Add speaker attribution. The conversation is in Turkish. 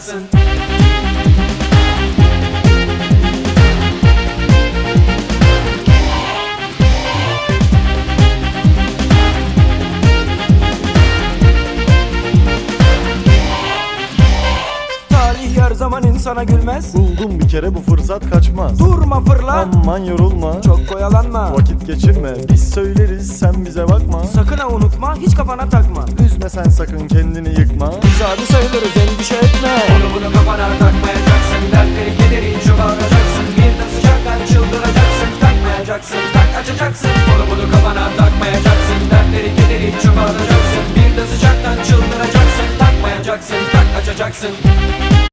Speaker 1: bakacaksın. Talih her zaman insana gülmez.
Speaker 2: Buldum bir kere, bu fırsat kaçmaz.
Speaker 1: Durma fırla,
Speaker 2: Aman yorulma,
Speaker 1: çok oyalanma.
Speaker 2: vakit geçirme, biz söyleriz sen bize bakma.
Speaker 1: Sakın ha unutma, hiç kafana takma.
Speaker 2: Üzme sen sakın kendini yıkma.
Speaker 1: Biz abi sayılırız, endişe etme. Onu bunu